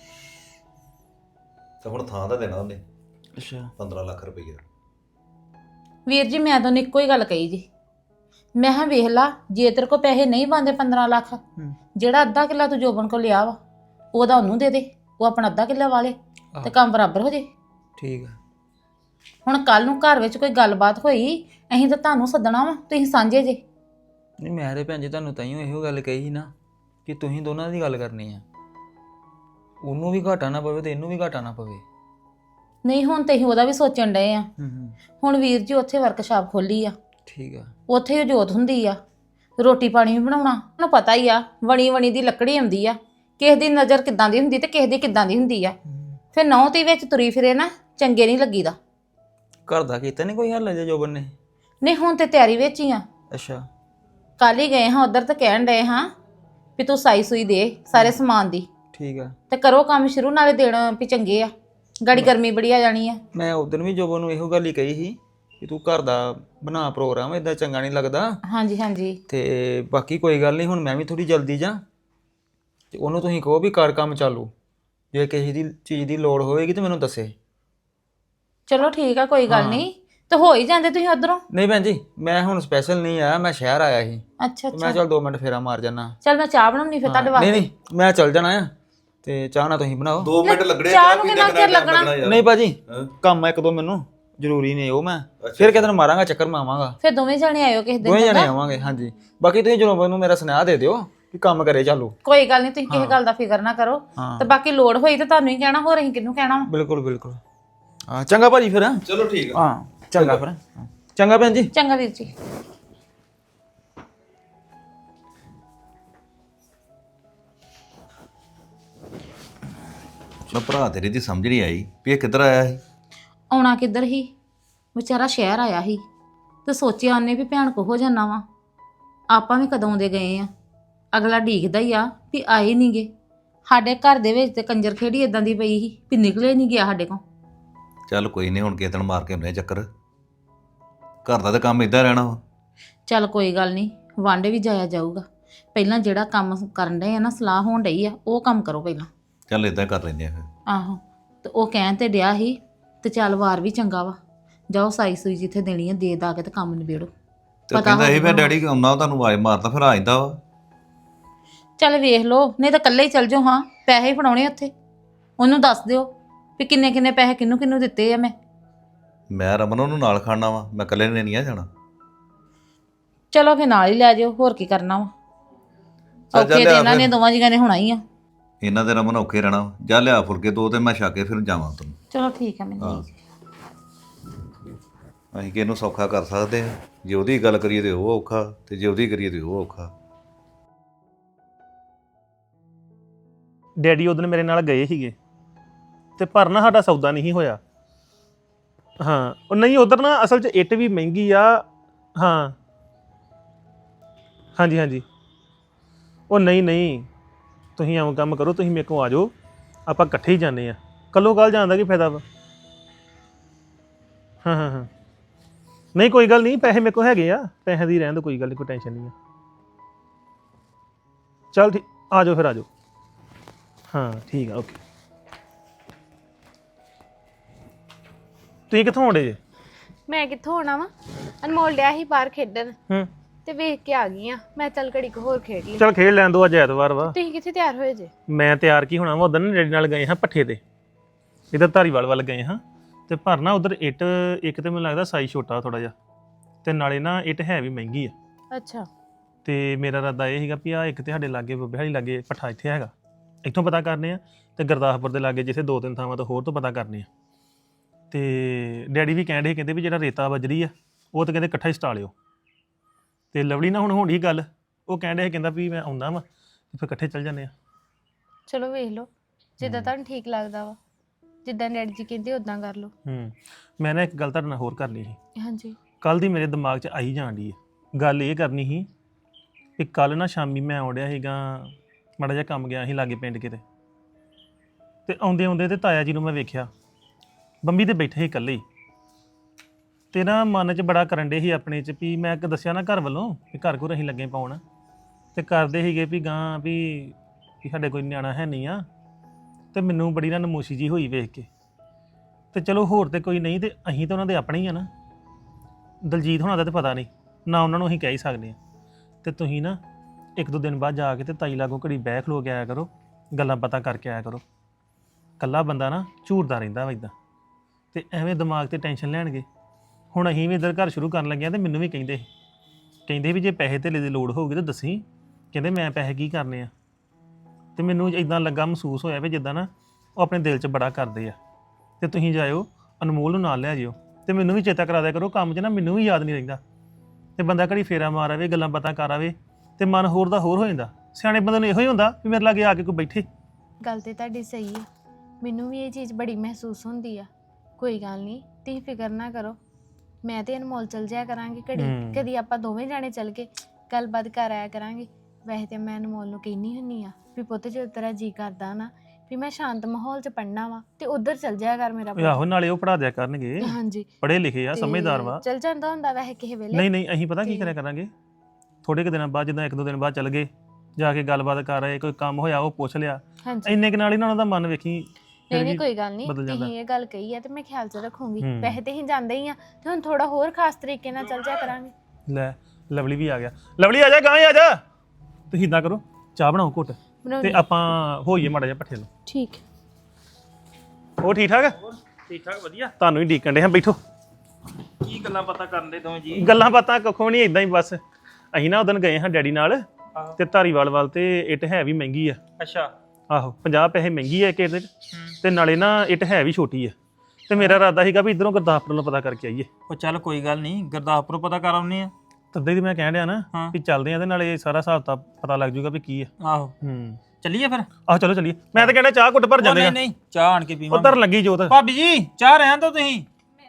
E: ਤੇ ਹੁਣ ਥਾਂ ਦਾ ਦੇਣਾ ਉਹਨੇ।
D: ਅੱਛਾ
E: 15 ਲੱਖ ਰੁਪਇਆ।
C: ਵੀਰ ਜੀ ਮੈਂ ਤੁਹਾਨੂੰ ਇੱਕੋ ਹੀ ਗੱਲ ਕਹੀ ਜੀ, ਮੈਂ ਕਿਹਾ ਵੇਖ ਲਾ, ਜੇ ਤੇਰੇ ਕੋ ਪੈਸੇ ਨਹੀਂ ਬਣਦੇ 15 ਲੱਖ, ਜਿਹੜਾ ਅੱਧਾ ਕਿੱਲਾ ਤੂੰ ਜੋਬਨ ਕੋ ਲਿਆ ਵਾ ਉਹਦਾ ਉਹਨੂੰ ਦੇ ਦੇ, ਉਹ ਆਪਣਾ ਅੱਧਾ ਕਿੱਲਾ ਵਾਲੇ ਤੇ ਕੰਮ ਬਰਾਬਰ ਹੋ ਜੇ।
D: ਠੀਕ ਆ।
C: ਹੁਣ ਕੱਲ ਨੂੰ ਘਰ ਵਿੱਚ ਕੋਈ ਗੱਲਬਾਤ ਹੋਈ, ਅਸੀਂ ਤਾਂ ਤੁਹਾਨੂੰ ਸੱਦਣਾ ਵਾ, ਤੁਸੀਂ ਸਾਂਝੇ ਜੇ।
D: ਨਹੀਂ ਮੈਂ ਤੇ ਭੈਣ ਜੀ ਤੁਹਾਨੂੰ ਤਾਈਓ ਇਹੋ ਗੱਲ ਕਹੀ ਸੀ ਨਾ ਕਿ ਤੁਸੀਂ ਦੋਨਾਂ ਦੀ ਗੱਲ ਕਰਨੀ ਆ, ਉਹਨੂੰ ਵੀ ਘਾਟਾ ਨਾ ਪਵੇ ਤੇ ਇਹਨੂੰ ਵੀ ਘਾਟਾ ਨਾ ਪਵੇ।
C: ਨਹੀਂ ਹੁਣ ਤੇ ਅਸੀਂ ਉਹਦਾ ਵੀ ਸੋਚਣ ਡਏ ਆ।
D: ਹੂੰ
C: ਹੁਣ ਵੀਰ ਜੀ ਉੱਥੇ ਵਰਕਸ਼ਾਪ ਖੋਲੀ ਆ,
D: ਠੀਕ ਆ।
C: ਉੱਥੇ ਹੀ ਜੋਤ ਹੁੰਦੀ ਆ, ਰੋਟੀ ਪਾਣੀ ਵੀ ਬਣਾਉਣਾ ਤੁਹਾਨੂੰ ਪਤਾ ਹੀ ਆ, ਵਣੀ ਦੀ ਲੱਕੜੀ ਆਉਂਦੀ ਆ, ਕਿਸੇ ਦੀ ਨਜ਼ਰ ਕਿੱਦਾਂ ਦੀ ਹੁੰਦੀ ਤੇ ਕਿਸੇ ਦੀ ਕਿੱਦਾਂ ਦੀ ਹੁੰਦੀ ਆ। ਫਿਰ ਨੌ ਤੇ ਵਿੱਚ ਤੁਰੀ ਫਿਰੇ ਨਾ ਚੰਗੇ ਨਹੀਂ ਲੱਗੀਦਾ।
D: ਘਰ ਦਾ ਕੀਤਾ ਨਹੀਂ ਕੋਈ ਹੱਲ ਜੇ ਜੋਬਨ ਨੇ?
C: ਨਹੀਂ ਹੁਣ ਤੇ ਤਿਆਰੀ ਵਿੱਚ ਹੀ ਆ।
D: ਅੱਛਾ
C: ਕੱਲ ਹੀ ਗਏ ਹਾਂ ਉਧਰ, ਤੇ ਕਹਿਣ ਡਏ ਹਾਂ ਵੀ ਤੂੰ ਸਾਈ ਸੂਈ ਦੇ ਸਾਰੇ ਸਮਾਨ ਦੀ,
D: ਠੀਕ ਆ।
C: ਤੇ ਕਰੋ ਕੰਮ ਸ਼ੁਰੂ, ਨਾਲੇ ਦੇਣ ਵੀ ਚੰਗੇ ਆ, ਗਾੜੀ ਗਰਮੀ ਬੜੀ ਆ ਜਾਣੀ ਆ।
D: ਮੈਂ ਉਦੋਂ ਵੀ ਜੋਬਨ ਨੂੰ ਇਹੋ ਗੱਲ ਹੀ ਕਹੀ ਸੀ ਕਿ ਤੂੰ ਘਰ ਦਾ ਬਣਾ ਪ੍ਰੋਗਰਾਮ, ਇਦਾਂ ਚੰਗਾ ਨਹੀਂ ਲੱਗਦਾ।
C: ਹਾਂਜੀ ਹਾਂਜੀ
D: ਤੇ ਬਾਕੀ ਕੋਈ ਗੱਲ ਨਹੀਂ, ਹੁਣ ਮੈਂ ਵੀ ਥੋੜੀ ਜਲਦੀ ਜਾ ਤੇ ਉਹਨੂੰ ਤੁਸੀਂ ਕਹੋ ਵੀ ਕਰ ਕੰਮ ਚਾਲੂ, ਜੇ ਕਿਸੇ ਦੀ ਚੀਜ਼ ਦੀ ਲੋੜ ਹੋਵੇਗੀ ਤੇ ਮੈਨੂੰ ਦੱਸੇ।
C: ਚਲੋ ਠੀਕ ਆ, ਕੋਈ ਗੱਲ ਨਹੀਂ, ਤੇ ਹੋ ਹੀ ਜਾਂਦੇ ਤੁਸੀਂ ਉਧਰੋਂ।
D: ਨਹੀਂ ਭੈਣ ਜੀ ਮੈਂ ਹੁਣ ਸਪੈਸ਼ਲ ਨਹੀਂ ਆਇਆ, ਮੈਂ ਸ਼ਹਿਰ ਆਇਆ ਸੀ,
C: ਅੱਛਾ
D: ਤੇ ਮੈਂ
C: ਅੱਛਾ,
D: ਚੱਲ 2 ਮਿੰਟ ਫੇਰਾ ਮਾਰ ਜਾਣਾ।
C: ਚਲ ਮੈਂ ਚਾਹ ਬਣਾਉਣੀ ਫਿਰ ਤੁਹਾਡੇ
D: ਨਹੀਂ
C: ਵਾਸਤੇ।
D: ਨਹੀਂ ਮੈਂ ਚੱਲ ਜਾਣਾ ਆ, ਤੇ ਚਾਹ ਨਾ ਤੁਸੀਂ ਬਣਾਓ।
E: 2 ਮਿੰਟ ਲੱਗਣੇ
C: ਚਾਹ
E: ਚਾਹ
C: ਨੂੰ
E: ਪੀਂਦੇ
C: ਕਿੰਨਾ
E: ਕਿੰਨਾ
C: ਚਿਰ
E: ਟਾਈਮ
C: ਲੱਗਣਾ?
E: ਲੱਗਣਾ ਯਾਰ।
D: ਨਹੀਂ ਭਾਜੀ
E: ਹਾਂ।
D: ਕੰਮ ਇੱਕ ਦੋ ਮੈਨੂੰ ਜ਼ਰੂਰੀ ਨੇ, ਉਹ ਮੈਂ ਫਿਰ ਕਿਤੇ ਨੂੰ ਮਾਰਾਂਗਾ ਚੱਕਰ, ਮੈਂ ਆਵਾਂਗਾ।
C: ਫਿਰ ਦੋਵੇਂ ਜਣੇ ਆਇਓ ਕਿਸੇ ਦਿਨ।
D: ਦੋਵੇਂ ਜਣੇ
C: ਚੰਗਾ?
D: ਆਵਾਂਗੇ। ਹਾਂਜੀ ਬਾਕੀ ਤੁਸੀਂ ਜਦੋਂ ਮੈਨੂੰ ਮੇਰਾ ਸੁਨੇਹਾ ਦੇ ਦਿਓ ਕਿ ਕੰਮ ਕਰੇ ਚਾਲੂ।
C: ਕੋਈ ਗੱਲ ਨਹੀਂ, ਤੁਸੀਂ ਕਿਸੇ ਗੱਲ ਦਾ ਫਿਕਰ ਨਾ ਕਰੋ,
D: ਹਾਂ।
C: ਤੇ ਬਾਕੀ ਲੋੜ ਹੋਈ ਤਾਂ ਤੁਹਾਨੂੰ ਹੀ ਕਹਿਣਾ, ਹੋਰ ਅਸੀਂ ਕਿਹਨੂੰ ਕਹਿਣਾ ਵਾ।
D: ਬਿਲਕੁਲ ਬਿਲਕੁਲ। ਹਾਂ ਚੰਗਾ ਭਾਜੀ ਫਿਰ।
E: ਚਲੋ ਠੀਕ ਆ।
D: ਹਾਂ ਚੰਗਾ ਫਿਰ। ਹਾਂ, ਚੰਗਾ ਭੈਣ ਜੀ।
C: ਚੰਗਾ ਵੀਰ ਜੀ।
E: ਮੈਂ ਭਰਾ ਤੇਰੀ ਦੀ ਸਮਝ ਨਹੀਂ ਆਈ ਵੀ ਇਹ ਕਿੱਧਰ ਆਇਆ ਸੀ।
C: ਆਉਣਾ ਕਿੱਧਰ ਹੀ, ਵਿਚਾਰਾ ਸ਼ਹਿਰ ਆਇਆ ਸੀ, ਤੇ ਸੋਚਿਆ ਉਹਨੇ ਵੀ ਭੈਣ ਕੋ ਹੋ ਜਾਣਾ ਵਾ। ਆਪਾਂ ਵੀ ਕਦੋਂ ਦੇ ਗਏ ਆ, ਅਗਲਾ ਢੀਕਦਾ ਹੀ ਆ ਵੀ ਆਏ ਨਹੀਂਗੇ। ਸਾਡੇ ਘਰ ਦੇ ਵਿੱਚ ਤੇ ਕੰਜਰ ਖੇੜੀ ਇਦਾਂ ਦੀ ਪਈ ਸੀ ਵੀ ਨਿਕਲੇ ਨਹੀਂ ਗਿਆ ਸਾਡੇ ਕੋਲ।
E: ਚੱਲ ਕੋਈ ਨਹੀਂ, ਹੁਣ ਕਿਸੇ ਦਿਨ ਮਾਰ ਕੇ ਆਉਂਦੇ ਆ ਚੱਕਰ। ਘਰ ਦਾ ਤਾਂ ਕੰਮ ਇਦਾਂ ਰਹਿਣਾ ਵਾ।
C: ਚੱਲ ਕੋਈ ਗੱਲ ਨਹੀਂ, ਵਾਂਡੇ ਵੀ ਜਾਇਆ ਜਾਊਗਾ। ਪਹਿਲਾਂ ਜਿਹੜਾ ਕੰਮ ਕਰਨ ਡਏ ਆ ਨਾ, ਸਲਾਹ ਹੋਣ ਡਈ ਆ, ਉਹ ਕੰਮ ਕਰੋ ਪਹਿਲਾਂ।
E: ਚੱਲ ਇਦਾਂ ਕਰ ਲੈਂਦੇ ਆ ਫਿਰ।
C: ਆਹੋ, ਤੇ ਉਹ ਕਹਿਣ ਤੇ ਡਿਆ ਸੀ, ਤੇ ਚੱਲ ਵਾਰ ਵੀ ਚੰਗਾ ਵਾ, ਜਾਓ ਸਾਈ ਸੂਈ ਜਿੱਥੇ ਦੇਣੀ ਆ ਦੇ ਦਾ ਕੇ ਤੇ ਕੰਮ ਨਿਬੇੜੋ।
E: ਤੇ ਕਹਿੰਦਾ ਇਹ ਮੈਂ ਡੈਡੀ ਆਉਣਾ ਤੁਹਾਨੂੰ ਆਵਾਜ਼ ਮਾਰਦਾ, ਫਿਰ ਆ ਜਾਂਦਾ ਵਾ।
C: ਚੱਲ ਵੇਖ ਲਓ, ਨਹੀਂ ਤਾਂ ਇਕੱਲੇ ਹੀ ਚੱਲ ਜਾਓ। ਹਾਂ ਪੈਸੇ ਹੀ ਫੜਾਉਣੇ ਉੱਥੇ, ਉਹਨੂੰ ਦੱਸ ਦਿਓ ਵੀ ਕਿੰਨੇ ਕਿੰਨੇ ਪੈਸੇ ਕਿਹਨੂੰ ਕਿਹਨੂੰ ਦਿੱਤੇ ਆ
E: ਮੈਂ ਰਮਨ ਉਹਨੂੰ ਨਾਲ ਖਾਣਾ ਵਾ, ਮੈਂ ਇਕੱਲੇ ਨੇ ਨਹੀਂ ਆ ਜਾਣਾ।
C: ਚਲੋ ਫਿਰ ਨਾਲ ਹੀ ਲੈ ਜਾਓ, ਹੋਰ ਕੀ ਕਰਨਾ ਵਾ।
E: ਚੱਲ ਜਾ
C: ਔਖੇ ਤੇ
E: ਲਿਆ
C: ਇਹਨਾਂ ਨੇ
E: ਫਿਰ।
C: ਦੋਵਾਂ ਜੀਆਂ ਨੇ ਹੋਣਾ ਹੀ ਆ।
E: ਇਹਨਾਂ ਦੇ ਰਮਨ ਔਖੇ ਰਹਿਣਾ ਵਾ। ਜਾ ਲਿਆ ਫੁਲਕੇ 2 ਤੇ ਮੈਂ ਛਾ ਕੇ ਫਿਰ ਜਾਵਾਂ ਤੈਨੂੰ।
C: ਚਲੋ ਠੀਕ ਆ ਮੈਨੂੰ।
E: ਅਸੀਂ ਕਿਹਨੂੰ ਸੌਖਾ ਕਰ ਸਕਦੇ ਹਾਂ, ਜੇ ਉਹਦੀ ਗੱਲ ਕਰੀਏ ਤੇ ਉਹ ਔਖਾ, ਤੇ ਜੇ ਉਹਦੀ ਕਰੀਏ ਤੇ ਉਹ ਔਖਾ।
A: ਡੈਡੀ ਉਦੋਂ ਮੇਰੇ ਨਾਲ ਗਏ ਸੀਗੇ, ਤੇ ਪਰ ਨਾ ਸਾਡਾ ਸੌਦਾ ਨਹੀਂ ਹੋਇਆ। ਹਾਂ ਉਹ ਨਹੀਂ, ਉਧਰ ਨਾ ਅਸਲ 'ਚ ਇੱਟ ਵੀ ਮਹਿੰਗੀ ਆ। ਹਾਂ ਹਾਂਜੀ ਹਾਂਜੀ, ਉਹ ਨਹੀਂ ਤੁਸੀਂ ਐਵੇਂ ਕੰਮ ਕਰੋ, ਤੁਸੀਂ ਮੇਰੇ ਕੋਲ ਆ ਜਾਓ, ਆਪਾਂ ਇਕੱਠੇ ਹੀ ਜਾਂਦੇ ਆ। ਕੱਲੋ ਕੱਲ ਜਾਣ ਦਾ ਕੀ ਫਾਇਦਾ ਵਾ। ਹਾਂ ਨਹੀਂ ਕੋਈ ਗੱਲ ਨਹੀਂ, ਪੈਸੇ ਮੇਰੇ ਕੋਲ ਹੈਗੇ ਆ, ਪੈਸੇ ਦੀ ਰਹਿਣ ਦਿਓ, ਕੋਈ ਗੱਲ ਨਹੀਂ, ਕੋਈ ਟੈਨਸ਼ਨ ਨਹੀਂ ਆ। ਚੱਲ ਠੀਕ, ਆ ਜਾਓ ਫਿਰ ਆ ਜਾਓ। ਹਾਂ ਠੀਕ ਆ, ਓਕੇ। ਤੁਸੀਂ ਕਿੱਥੋਂ ਆਉਂਦੇ ਜੇ?
F: ਮੈਂ ਕਿੱਥੋਂ ਆਉਣਾ ਵਾ, ਅਨਮੋਲ ਡਿਆ ਸੀ ਬਾਹਰ ਖੇਡਣ
A: ਹੂੰ
F: ਤੇ ਵੇਖ ਕੇ ਆ ਗਈ ਆ। ਮੈਂ ਚੱਲ ਘੜੀ ਕੁ ਹੋਰ ਖੇਡ ਲਈ।
A: ਚੱਲ ਖੇਡ ਲੈਣ ਦੋ, ਅੱਜ ਐਤਵਾਰ ਵਾ।
F: ਤੁਸੀਂ ਕਿੱਥੇ ਤਿਆਰ ਹੋਏ ਜੇ?
A: ਮੈਂ ਤਿਆਰ ਕੀ ਹੋਣਾ ਵਾ, ਉਧਰ ਨਾ ਡੈਡੀ ਨਾਲ ਗਏ ਹਾਂ ਪੱਠੇ ਤੇ, ਇੱਧਰ ਧਾਰੀਵਾਲ ਵੱਲ ਗਏ ਹਾਂ। ਤੇ ਪਰ ਨਾ ਉਧਰ ਇੱਟ ਇੱਕ ਤੇ ਮੈਨੂੰ ਲੱਗਦਾ ਸਾਈਜ਼ ਛੋਟਾ ਥੋੜਾ ਜਿਹਾ, ਤੇ ਨਾਲੇ ਨਾ ਇੱਟ ਹੈ ਵੀ ਮਹਿੰਗੀ ਆ।
F: ਅੱਛਾ।
A: ਤੇ ਮੇਰਾ ਇਰਾਦਾ ਇਹ ਸੀਗਾ ਵੀ ਆ ਇੱਕ ਤੇ ਸਾਡੇ ਲਾਗੇ ਬੱਬੇ ਵਾਲੀ ਲਾਗੇ ਪੱਠਾ ਇੱਥੇ ਹੈਗਾ, ਇੱਥੋਂ ਪਤਾ ਕਰਨੇ ਆ, ਤੇ ਗੁਰਦਾਸਪੁਰ ਦੇ ਲਾਗੇ ਜਿੱਥੇ 2-3 ਥਾਵਾਂ ਤੋਂ ਹੋਰ ਤੋਂ ਪਤਾ ਕਰਨੇ ਆ। ਤੇ ਡੈਡੀ ਵੀ ਕਹਿੰਦੇ ਵੀ ਜਿਹੜਾ ਰੇਤਾ ਬਜਰੀ ਆ ਉਹ ਤਾਂ ਕਹਿੰਦੇ ਇਕੱਠਾ ਹੀ ਸਟਾ ਲਿਓ। ਤੇ ਲਵਲੀ ਨਾਲ ਹੁਣ ਹੋਣੀ ਗੱਲ, ਉਹ ਕਹਿੰਦਾ ਵੀ ਮੈਂ ਆਉਂਦਾ ਵਾ, ਫਿਰ ਇਕੱਠੇ ਚੱਲ ਜਾਂਦੇ ਆ।
F: ਚਲੋ ਵੇਖ ਲਓ ਜਿੱਦਾਂ ਤੁਹਾਨੂੰ ਠੀਕ ਲੱਗਦਾ ਵਾ, ਜਿੱਦਾਂ ਡੈਡੀ ਜੀ ਕਹਿੰਦੇ ਉਦਾਂ ਕਰ ਲਓ।
A: ਮੈਂ ਨਾ ਇੱਕ ਗੱਲ ਤੁਹਾਡੇ ਨਾਲ ਹੋਰ ਕਰਨੀ ਸੀ।
F: ਹਾਂਜੀ।
A: ਕੱਲ ਦੀ ਮੇਰੇ ਦਿਮਾਗ 'ਚ ਆਈ ਜਾਣ ਡਈ ਹੈ ਗੱਲ। ਇਹ ਕਰਨੀ ਸੀ ਕਿ ਕੱਲ ਨਾ ਸ਼ਾਮੀ ਮੈਂ ਆਉਣ ਡਿਆ ਸੀਗਾ, ਮਾੜਾ ਜਿਹਾ ਕੰਮ ਗਿਆ ਸੀ ਲਾਗੇ ਪਿੰਡ ਕਿਤੇ, ਤੇ ਆਉਂਦੇ ਤੇ ਤਾਇਆ ਜੀ ਨੂੰ ਮੈਂ ਵੇਖਿਆ ਬੰਬੀ ਤੇ ਬੈਠੇ ਸੀ ਇਕੱਲੇ ਹੀ। ਤੇ ਨਾ ਮਨ 'ਚ ਬੜਾ ਕਰਨ ਡੇ ਸੀ ਆਪਣੇ 'ਚ ਵੀ ਮੈਂ ਦੱਸਿਆ ਨਾ ਘਰ ਵੱਲੋਂ ਵੀ ਘਰ ਘਰ ਅਸੀਂ ਲੱਗੇ ਪਾਉਣ, ਤੇ ਕਰਦੇ ਸੀਗੇ ਵੀ ਗਾਂ ਵੀ ਸਾਡੇ ਕੋਈ ਨਿਆਣਾ ਹੈ ਨਹੀਂ ਆ। ਤੇ ਮੈਨੂੰ ਬੜੀ ਨਾ ਨਮੋਸ਼ੀ ਜੀ ਹੋਈ ਵੇਖ ਕੇ। ਤੇ ਚਲੋ ਹੋਰ ਤੇ ਕੋਈ ਨਹੀਂ, ਤੇ ਅਸੀਂ ਤਾਂ ਉਹਨਾਂ ਦੇ ਆਪਣੇ ਹੀ ਆ ਨਾ। ਦਲਜੀਤ ਹੋਣਾ ਦਾ ਤੇ ਪਤਾ ਨਹੀਂ, ਨਾ ਉਹਨਾਂ ਨੂੰ ਅਸੀਂ ਕਹਿ ਹੀ ਸਕਦੇ ਆ। ਤੇ ਤੁਸੀਂ ਨਾ ਇੱਕ ਦੋ ਦਿਨ ਬਾਅਦ ਜਾ ਕੇ ਤੇ ਤਾਈ ਲਾਗੋਂ ਘੜੀ ਬਹਿ ਖਲੋ ਕੇ ਆਇਆ ਕਰੋ, ਗੱਲਾਂ ਪਤਾ ਕਰਕੇ ਆਇਆ ਕਰੋ। ਕੱਲਾ ਬੰਦਾ ਨਾ ਝੂਰਦਾ ਰਹਿੰਦਾ ਵਾ ਇਦਾਂ, ਤੇ ਐਵੇਂ ਦਿਮਾਗ ਤੇ ਟੈਨਸ਼ਨ ਲੈਣਗੇ। ਹੁਣ ਅਸੀਂ ਵੀ ਇੱਧਰ ਘਰ ਸ਼ੁਰੂ ਕਰਨ ਲੱਗੇ ਆ ਤੇ ਮੈਨੂੰ ਵੀ ਕਹਿੰਦੇ ਵੀ ਜੇ ਪੈਸੇ ਧੇਲੇ ਦੀ ਲੋੜ ਹੋਊਗੀ ਤਾਂ ਦੱਸੀ। ਕਹਿੰਦੇ ਮੈਂ ਪੈਸੇ ਕੀ ਕਰਨੇ ਆ। ਤੇ ਮੈਨੂੰ ਇਦਾਂ ਲੱਗਾ, ਮਹਿਸੂਸ ਹੋਇਆ ਵੀ ਜਿੱਦਾਂ ਨਾ ਉਹ ਆਪਣੇ ਦਿਲ 'ਚ ਬੜਾ ਕਰਦੇ ਆ। ਤੇ ਤੁਸੀਂ ਜਾਇਓ, ਅਨਮੋਲ ਨੂੰ ਨਾਲ ਲੈ ਜਿਓ ਤੇ ਮੈਨੂੰ ਵੀ ਚੇਤਾ ਕਰਾ ਦਿਆ ਕਰੋ ਕੰਮ 'ਚ ਨਾ, ਮੈਨੂੰ ਵੀ ਯਾਦ ਨਹੀਂ ਰਹਿੰਦਾ। ਤੇ ਬੰਦਾ ਘੜੀ ਫੇਰਾ ਮਾਰ ਆਵੇ, ਗੱਲਾਂ ਬਾਤਾਂ ਕਰ ਆਵੇ ਤੇ ਮਨ ਹੋਰ ਦਾ ਹੋਰ ਹੋ ਜਾਂਦਾ। ਸਿਆਣੇ ਬੰਦੇ ਨੂੰ ਇਹੋ ਹੀ ਹੁੰਦਾ ਵੀ ਮੇਰੇ ਲਾਗੇ ਆ ਕੇ ਕੋਈ ਬੈਠੇ।
F: ਗੱਲ ਤੇ ਤੁਹਾਡੀ ਸਹੀ ਹੈ, ਮੈਨੂੰ ਵੀ ਇਹ ਚੀਜ਼ ਬੜੀ ਮਹਿਸੂਸ ਹੁੰਦੀ ਆ। ਕੋਈ ਗੱਲ ਨਹੀਂ, ਤੁਸੀਂ ਫਿਕਰ ਨਾ ਕਰੋ, ਮੈਂ ਤੇ ਅਨਮੋਲ ਚਲ ਜਾਇਆ ਕਰਾਂਗੇ ਘੜੀ, ਕਦੀ ਆਪਾਂ ਦੋਵੇਂ ਜਾਣੇ ਚੱਲ ਕੇ ਗੱਲਬਾਤ ਕਰ ਆਇਆ ਕਰਾਂਗੇ। ਵੈਸੇ ਤੇ ਮੈਂ ਅਨਮੋਲ ਨੂੰ ਕਹਿੰਦੀ ਹੁੰਨੀ ਆ ਵੀ ਪੁੱਤ ਜੇ ਤੇਰਾ ਜੀ ਕਰਦਾ ਨਾ ਵੀ ਮੈਂ ਸ਼ਾਂਤ ਮਾਹੌਲ 'ਚ ਪੜ੍ਹਨਾ ਵਾ ਤੇ ਉੱਧਰ ਚਲ ਜਾਇਆ ਕਰ ਮੇਰਾ ਪੁੱਤ।
A: ਆਹੋ ਨਾਲੇ ਉਹ ਪੜ੍ਹਾ ਦਿਆ ਕਰਨਗੇ,
F: ਹਾਂਜੀ
A: ਪੜ੍ਹੇ ਲਿਖੇ ਆ, ਸਮਝਦਾਰ ਵਾ।
F: ਚਲ ਜਾਂਦਾ ਹੁੰਦਾ ਵੈਸੇ ਕਿਸੇ ਵੇਲੇ।
A: ਨਹੀਂ ਅਸੀਂ ਪਤਾ ਕੀ ਕਰਿਆ ਕਰਾਂਗੇ, ਥੋੜੇ ਕੁ ਦਿਨਾਂ ਬਾਅਦ, ਜਿੱਦਾਂ ਇੱਕ ਦੋ ਦਿਨ ਬਾਅਦ ਚੱਲ ਗਏ, ਜਾ ਕੇ ਗੱਲਬਾਤ ਕਰ ਆਏ, ਕੋਈ ਕੰਮ ਹੋਇਆ ਉਹ ਪੁੱਛ ਲਿਆ,
F: ਹਾਂਜੀ
A: ਇੰਨੇ ਕੁ ਨਾਲ ਹੀ ਨਾ ਉਹਨਾਂ ਦਾ ਮਨ ਵੇਖੀ
F: ਨਹੀਂ ਕੋਈ ਗੱਲ ਨਹੀਂ, ਤੁਸੀਂ ਇਹ ਗੱਲ ਕਹੀ ਆ ਤੇ ਮੈਂ ਖਿਆਲ 'ਚ ਰੱਖੂੰਗੀ। ਵੈਸੇ ਤੇ ਹੀ ਜਾਂਦੇ ਹੀ ਆ ਤੇ ਹੁਣ ਥੋੜਾ ਹੋਰ ਖਾਸ ਤਰੀਕੇ ਨਾਲ ਚੱਲ ਜਾਇਆ ਕਰਾਂਗੇ।
A: ਲੈ ਲਵਲੀ ਵੀ ਆ ਗਿਆ। ਲਵਲੀ ਆ ਜਾ, ਗਾਂ ਆ ਜਾ। ਤੁਸੀਂ ਇਦਾਂ ਕਰੋ, ਚਾਹ ਬਣਾਓ ਘੁੱਟ ਤੇ ਆਪਾਂ ਹੋਈਏ ਮਾੜਾ ਜਿਹਾ ਪੱਠੇ ਨੂੰ।
F: ਠੀਕ।
A: ਉਹ ਠੀਕ ਠਾਕ?
D: ਠੀਕ ਠਾਕ ਵਧੀਆ।
A: ਤੁਹਾਨੂੰ ਹੀ ਡੀਕਣ ਦੇ ਹਾਂ, ਬੈਠੋ।
D: ਕੀ ਗੱਲਾਂ ਬਾਤਾਂ ਕਰਨ ਦੇ ਦੋਵੇਂ ਜੀ?
A: ਗੱਲਾਂ ਬਾਤਾਂ ਕੱਖੋਂ ਨਹੀਂ, ਇਦਾਂ ਹੀ ਬਸ। ਅਸੀਂ ਨਾ ਉਦੋਂ ਗਏ ਹਾਂ ਡੈਡੀ ਨਾਲ ਤੇ ਧਾਰੀਵਾਲ ਵੱਲ, ਤੇ ਇੱਟ ਹੈ ਵੀ ਮਹਿੰਗੀ ਆ।
D: ਅੱਛਾ।
A: ਆਹੋ 50 ਪੈਸੇ ਮਹਿੰਗੀ ਆ ਇੱਕ ਇੱਟ ਤੇ ਨਾਲੇ ਨਾ ਇੱਟ ਹੈ ਵੀ ਛੋਟੀ ਆ। ਤੇ ਮੇਰਾ ਇਰਾਦਾ ਸੀਗਾ ਵੀ ਇਧਰੋਂ ਗੁਰਦਾਸਪੁਰ ਨੂੰ ਪਤਾ ਕਰਕੇ ਆਈਏ।
D: ਉਹ ਚੱਲ ਕੋਈ ਗੱਲ ਨਹੀਂ, ਗੁਰਦਾਸਪੁਰੋਂ ਪਤਾ ਕਰ ਆਉਨੇ ਆ।
A: ਤਦੇ ਦੀ ਮੈਂ ਕਹਿਣ ਡਿਆ ਨਾ ਵੀ ਚੱਲਦੇ ਆ ਤੇ ਨਾਲੇ ਸਾਰਾ ਹਿਸਾਬ ਤਾਂ ਪਤਾ ਲੱਗ ਜੂਗਾ ਵੀ ਕੀ ਆ।
D: ਆਹੋ ਚੱਲੀਏ ਫਿਰ।
A: ਆਹ ਚਲੋ ਚੱਲੀਏ। ਮੈਂ ਤਾਂ ਕਹਿੰਦਾ ਚਾਹ ਘੁੱਟ ਭਰ ਜਾਂਦੇ ਆ।
D: ਨਹੀਂ ਚਾਹ ਆਣ ਕੇ ਪੀਵਾਂਗੇ।
A: ਉਧਰ ਲੱਗੀ ਜੋਤ।
D: ਭਾਬੀ ਜੀ ਚਾਹ ਰਹਿਣ ਦੋ ਤੁਸੀਂ।